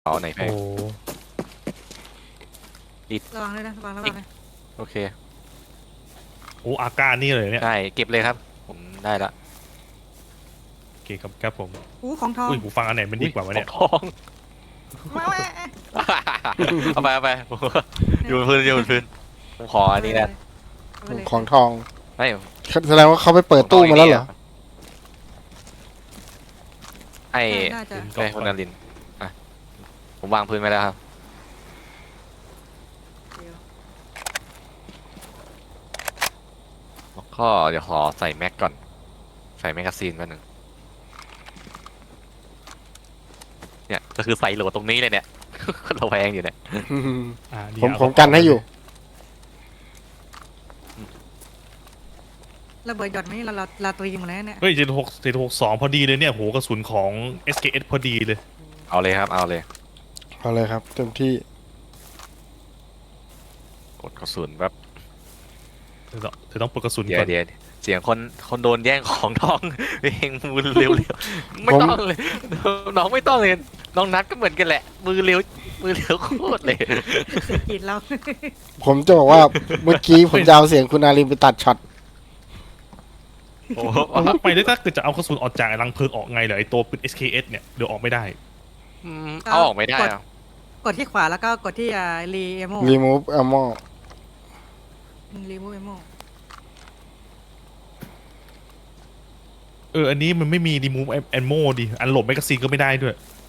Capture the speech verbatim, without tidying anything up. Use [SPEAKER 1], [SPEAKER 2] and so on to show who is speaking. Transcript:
[SPEAKER 1] เอาไหนไป
[SPEAKER 2] โอ้
[SPEAKER 3] ระวังด้วยนะระวังระวังนะ
[SPEAKER 1] โอเค
[SPEAKER 2] โอ้อาการนี่เลยเนี่ย
[SPEAKER 1] ได้เก็บเลยครับ ผมได้ละ
[SPEAKER 2] โอเคครับครับผม
[SPEAKER 3] อู้ของทอง
[SPEAKER 2] อุ้ยหูฟังอันไหนมันดีกว่าวะเนี่ย
[SPEAKER 1] ทอง
[SPEAKER 3] มาแม่
[SPEAKER 1] เอาไปเอาไปอยู่บนพื้นอยู่บนพื้นผมขออันนี้นะ
[SPEAKER 3] เอาไปเลย
[SPEAKER 4] ของทอง
[SPEAKER 1] ไม่
[SPEAKER 4] แสดงว่าเขาไปเปิดตู้มาแล้วเหรอ
[SPEAKER 1] ไอ้
[SPEAKER 3] น่าจะ
[SPEAKER 1] ไอ้คนนารินอ่ะผมวางพื้นไว้แล้วครับ
[SPEAKER 3] เดี๋ยว
[SPEAKER 1] แล้วก็เดี๋ยวขอใส่แม็กก่อน ใส่แมกกาซีนมาหนึ่งเนี่ยก็คือใส่โหลดตรงนี้เลยเนี่ย เราแพงอยู่เนี่ย
[SPEAKER 2] อ่าดี
[SPEAKER 4] ผม
[SPEAKER 2] เอา
[SPEAKER 4] ผมกันให้อยู่
[SPEAKER 3] ระเบิดหยอดไหมเราเราเราตัวยิงหมดแล้วเนี่ย
[SPEAKER 2] เฮ้ยเจ็ดหกเจ็ดหกสองพอดีเลยเนี่ยโหกระสุนของ เอส เค เอส พอดีเลย
[SPEAKER 1] เอาเลยครับ เอาเลย
[SPEAKER 4] เอาเลยครับเต็มที่
[SPEAKER 1] กดกระสุนแบบ
[SPEAKER 2] เธอต้องเธอต้องปลดกระสุน
[SPEAKER 1] เดี๋ย
[SPEAKER 2] ก่
[SPEAKER 1] ว
[SPEAKER 2] อน
[SPEAKER 1] เดี๋ยวเสียงคนคนโดนแย่งของทอง เพลงมือเร็วๆไม่ต้องเลย น้องไม่ต้องเลย น้องนัดก็เหมือนกันแหละ มือเร็วมือเร็วโคตรเลย
[SPEAKER 3] สะกิดเรา
[SPEAKER 4] ผมจะบอกว่าเมื่อกี้ผมจะเอาเสียงคุณอารินไปตัดช็อต
[SPEAKER 1] โอ้โห
[SPEAKER 2] เอาไปได้ถ้าเกิดจะเอากระสุนออกจากไอ้รังเพลิงออกไงเหรอไอตัวปืน เอส เค เอส เนี่ยเดี๋ยวออกไม่ได้
[SPEAKER 1] อืมเอาออกไม่ได้อะ
[SPEAKER 3] กดที่ขวาแล้วก็กดที่อ่ารีเอโม
[SPEAKER 4] รีมูฟแอมโม
[SPEAKER 3] รีมูเอโม
[SPEAKER 2] เอออันนี้มันไม่มี remove ammo ดิอันโหลดแมกกาซีนก็ไม่ได้ด้วย